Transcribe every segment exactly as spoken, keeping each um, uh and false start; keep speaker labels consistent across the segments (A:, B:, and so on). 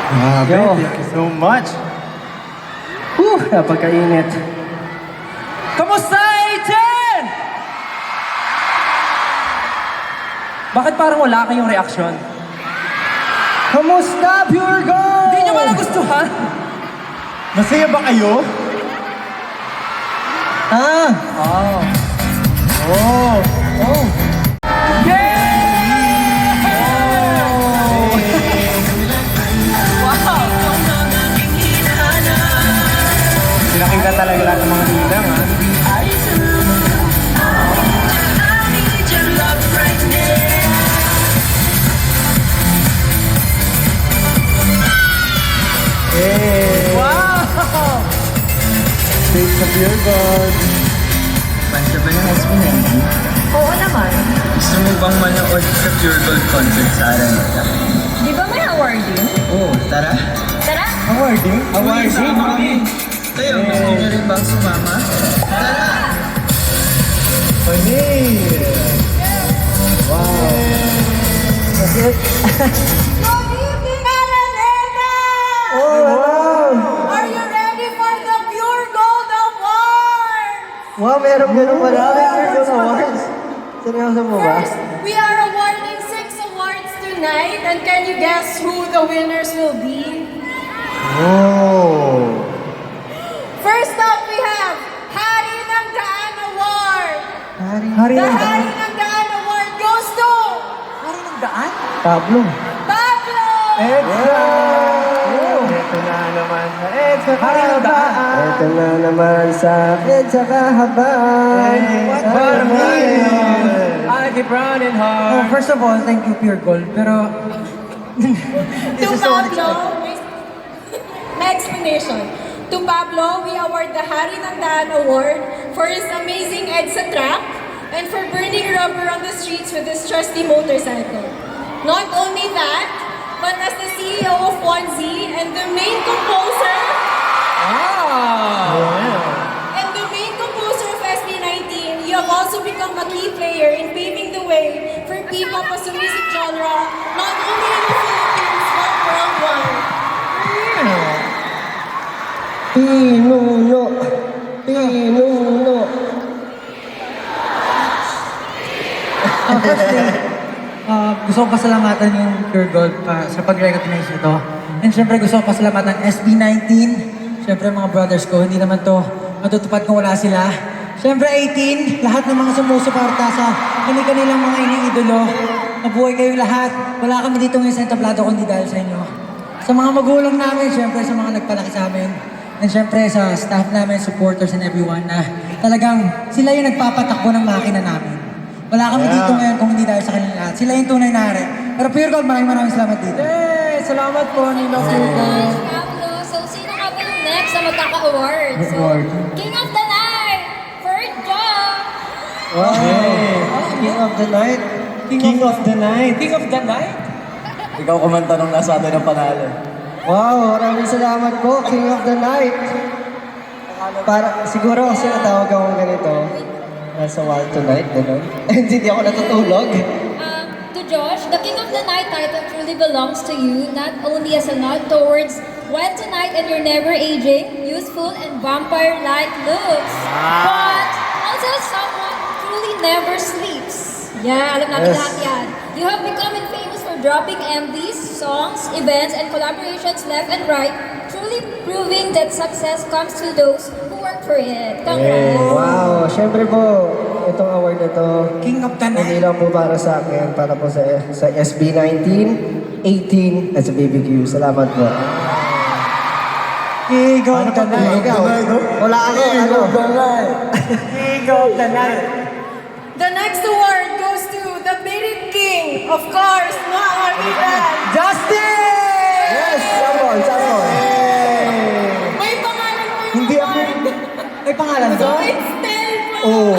A: Grabe,
B: Yo.
A: thank you so much.
B: Whew, napagkainit. Kamusta, Aiden? Bakit parang wala kayong reaksyon? Kamusta, Pure Gold? Hindi nyo ba nagustuhan?
A: Masaya ba kayo?
B: Ah. Oh.
A: Oh.
B: Oh. Yeah! Wow! Pinakita talaga lahat ng mga ninang, ha?
A: Hey!
B: Wow!
A: Thanks sa Pure Gold.
C: Basta ba ng S B nineteen?
D: Oo naman.
C: Gusto mo bang manood sa Pure Gold concert sa Araneta?
D: Di ba may awarding?
C: Oo, tara.
D: Tara!
A: Awarding?
C: Awarding? Kayo, gusto niyo rin bang sumama? Tara!
A: Okay. Wow.
B: That's it.
A: Oh, wow.
D: Are you ready for the Pure Gold Award?
B: Wow, meron ganun pala. May Pure Gold Awards. Seryoso mo ba?
D: First, we are awarding six awards tonight, and can you guess who the winners will be?
A: Oh.
D: First up, we have Hari ng Daan Award.
B: Hari, Hari
D: The
B: ng
D: Hari
B: Daan.
D: ng Daan Award goes to
B: Hari ng Daan? Pablo.
D: Pablo!
A: Extra! Ito na naman sa Extra
B: Hari ng Daan.
E: Ito na naman sa akin sa kahabaan.
B: What
A: What
B: for me?
A: me?
B: I keep running hard. Oh, first of all, thank you, Pure Gold. Pero,
D: To Pablo, may, may explanation. To Pablo, we award the Hari ng Daan Award for his amazing EDSA track and for burning rubber on the streets with his trusty motorcycle. Not only that, but as the C E O of one Z and the main composer
B: ah!
D: and the main composer of S B nineteen, you have also become a key player in paving the way for P-pop as a music genre, not only in the Philippines but worldwide.
E: Pinuno. Pinuno.
F: Uh, firstly, uh, gusto ko pasalamatan yung Pure Gold pa, sa pag-recognize nito. And syempre gusto ko pasalamatan S B nineteen. Syempre mga brothers ko, hindi naman to matutupad kung wala sila. Syempre eighteen, lahat ng mga sumusuporta sa kanilang mga iniidolo. Mabuhay kayong lahat. Wala kami dito ngayon sa entablado kundi dahil sa inyo. Sa mga magulang namin, syempre sa mga nagpalaki sa amin. And syempre sa staff namin, supporters and everyone na talagang sila yung nagpapatakbo ng makina namin. Wala kami
A: Yeah.
F: dito ngayon kung hindi dahil sa kanila lahat. Sila yung tunay na hari. Pero Pure Gold, maraming maraming salamat dito.
B: Hey, salamat po, Ninong Pure Gold.
G: Pablo, so sino nga ba yung next na magkaka-award? So,
A: Award.
G: King of the Night, Ferjo!
E: Wow. King of the night.
A: King of the night.
B: King of the Night?
C: Ikaw kumanta nung nasa atin ang panalo.
E: Wow, maraming salamat po, King of the night. Para, siguro kasi natawag akong ganito. Nasa wild tonight, gano'n. And hindi ako natutulog.
G: Um, to Josh, the King of the Night title truly belongs to you, not only as a nod towards Wild Tonight and your never-aging, youthful, and vampire-like looks, but also as someone who truly never sleeps. Yeah, alam natin
E: Yes.
G: lahat yan. You have become famous for dropping M Vs, songs, events, and collaborations left and right, truly proving that success comes to those who work for it. Congrats!
E: Wow, syempre po, itong award na to,
F: King of the
E: hindi
F: Night.
E: lang po para sa akin, para po sa, sa S B nineteen, eighteen, at sa B B Q. Salamat po.
F: King of the Night.
E: Ikaw, wala ako, ano?
B: King of the Night.
D: The next award goes to the Birit King, of course, Noah Arvidan.
B: Justin!
E: Yes, sabon, sabon.
D: May pangalan po yung
E: Hindi ako,
D: award.
F: May pangalan
D: So
F: ba?
D: it's Stel po.
E: oh.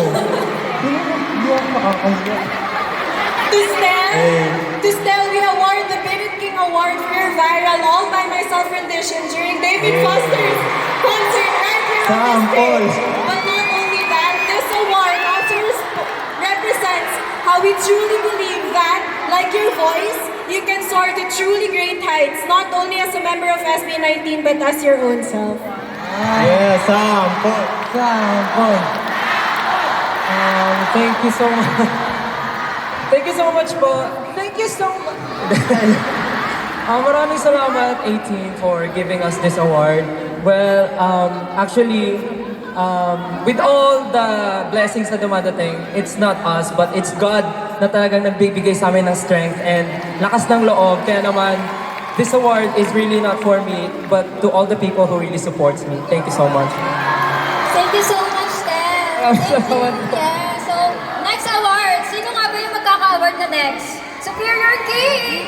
D: To Stel, to Stel, we award the Birit King Award for your viral All By Myself rendition during David Foster's concert right here on the stage. But not only that, this award also res- represents how we truly believe that, like your voice, you can soar to truly great heights, not only as a member of S B nineteen but as your own self.
A: Yes, sample.
F: Sample. Um, thank you so much. Thank you so much po. Thank you so much. uh, maraming salamat, eighteen, for giving us this award. Well, um, actually, um, with all the blessings na dumadating, it's not us, but it's God na talagang nagbibigay sa amin ng strength and lakas ng loob. Kaya naman, this award is really not for me, but to all the people who really supports me. Thank you so much.
G: Thank you so much, Ted. Thank you. Yeah, so, next award. Sino nga ba yung magkaka-award na next? Superior King!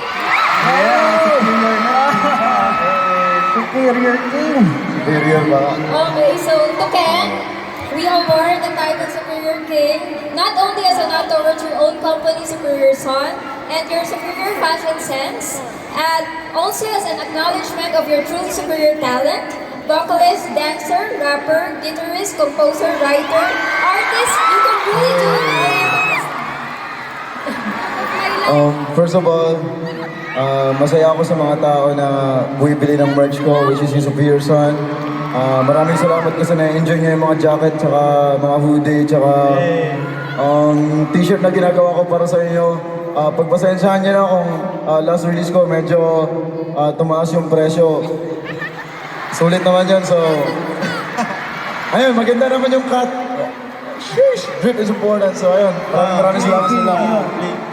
B: Superior King. Superior ba?
G: Okay, so to Ken, we award the title Superior King not only as a nod towards your own company, Superior Son, and your superior fashion sense, and also as an acknowledgement of your truly superior talent, vocalist, dancer, rapper, guitarist, composer, writer, artist, you can really do it.
H: Um, first of all, uh, masaya ako sa mga tao na bumibili ng merch ko, which is yung Superior Son. Uh, maraming salamat kasi na-enjoy niya yung mga jacket, tsaka mga hoodie, tsaka um, t-shirt na ginagawa ko para sa inyo. Uh, pagpasensyahan niyo na kung uh, last release ko medyo uh, tumaas yung presyo. Sulit naman yun, so... Ayun, maganda naman yung cut. Sheesh! Drip is important, so ayun. Maraming maraming salamat sa lahat.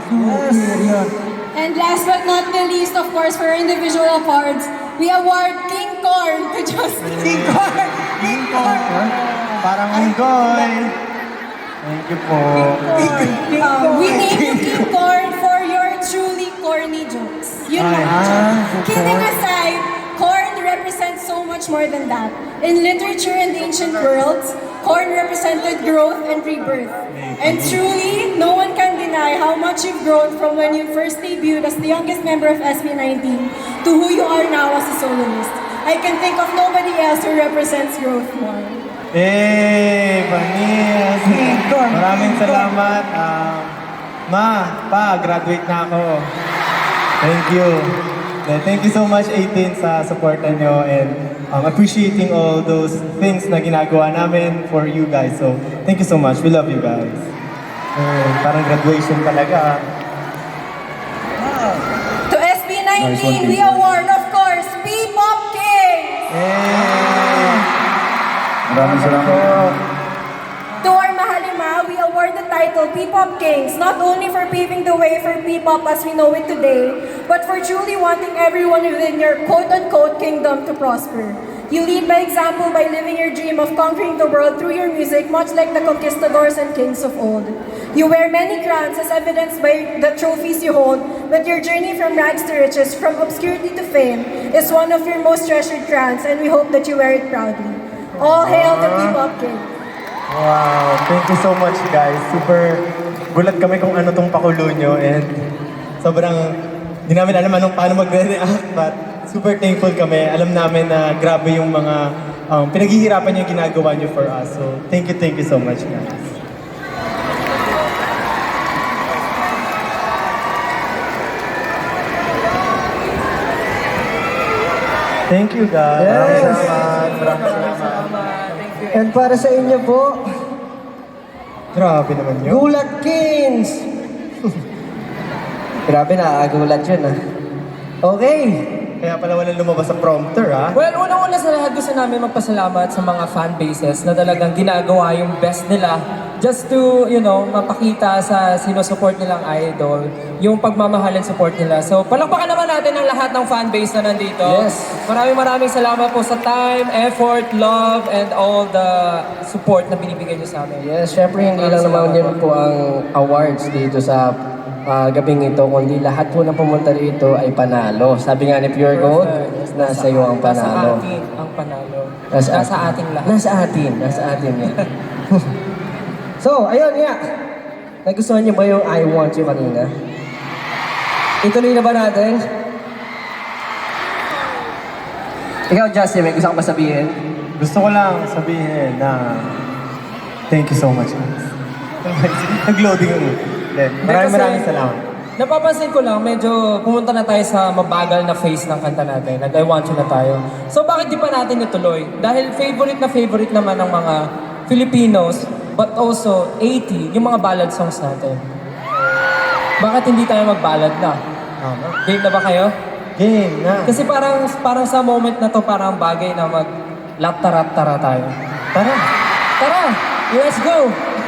D: And last but not the least, of course, for our individual awards, we award King Corn to Justin.
A: King Corn! King Corn! Parang unggoy. Thank you po.
D: Um, we name you King Corn for your truly corny jokes. Yun
A: Ay,
D: lang.
A: ah,
D: Kidding aside, corn represents so much more than that. In literature and the ancient worlds, corn represented growth and rebirth. And truly, no one can deny how much you've grown from when you first debuted as the youngest member of S B nineteen to who you are now as a soloist. I can think of nobody else who represents growth more.
A: Eh, Panis. Maraming salamat. Um, ma, pa, graduate na ako. Thank you. Eh, Thank you so much, eighteen, sa supportan nyo and um, appreciating all those things na ginagawa namin for you guys. So, thank you so much. We love you guys. Eh, parang graduation talaga.
D: To S B nineteen, we award, of course, P-Pop Kings!
A: Eh,
H: Maraming salamat.
D: To our Mahalima, we award the title P-Pop Kings, not only for paving the way for P-Pop as we know it today, but for truly wanting everyone within your quote-unquote kingdom to prosper. You lead by example by living your dream of conquering the world through your music, much like the conquistadors and kings of old. You wear many crowns as evidenced by the trophies you hold, but your journey from rags to riches, from obscurity to fame, is one of your most treasured crowns, and we hope that you wear it proudly. All hail the P-Pop Kings!
A: wow, thank you so much guys. Super gulat kami kung ano tong pakulo nyo and sobrang hindi namin alam anong paano magre-react but super thankful kami. Alam namin na grabe yung mga um, pinaghihirapan yung ginagawa nyo for us. So thank you, thank you so much guys. Thank you guys.
B: Yes.
A: Maraming salamat. Maraming salamat.
E: And para sa inyo po,
A: Grabe naman yun.
E: Gulat Kings! Grabe, nakakagulat yun ah. Okay.
A: Kaya pala walang lumabas sa prompter ah.
F: Well, unang-una sa lahat gusto namin magpasalamat sa mga fan bases na talagang ginagawa yung best nila just to, you know, mapakita sa sinusupport nilang idol yung pagmamahal and support nila. So, palakpakan naman natin ang lahat ng fan base na nandito.
E: Yes.
F: Maraming maraming salamat po sa time, effort, love, and all the support na binibigay niyo sa amin.
B: Yes, syempre hindi lang naman yun po ang awards dito sa ah, gabing ito, kundi lahat po na pumunta rito ay panalo. Sabi nga ni Pure Gold, nasa iyo ang panalo.
F: Nasa atin ang panalo.
B: Nasa,
F: Nasa ating lahat.
B: Nasa atin, nasa atin yan. So, ayun nga. Nagustuhan niyo ba yung I Want You kanina? Ituloy na ba natin? Ikaw, Justin, may gusto kang ba sabihin?
A: Gusto ko lang sabihin na thank you so much guys. Nag-loading yung Then, maraming
F: kasi-
A: maraming salamat.
B: napapansin ko lang, medyo pumunta na tayo sa mabagal na phase ng kanta natin. Nag I Want You na tayo. So bakit di pa natin ituloy? Dahil favorite na favorite naman ng mga Filipinos, but also eighty, yung mga ballad songs natin. Bakit hindi tayo mag-ballad na? Game na ba kayo?
A: Game na.
B: Kasi parang parang sa moment na to, parang bagay na mag laptarat-tara tayo.
A: Tara.
B: Tara! Let's go!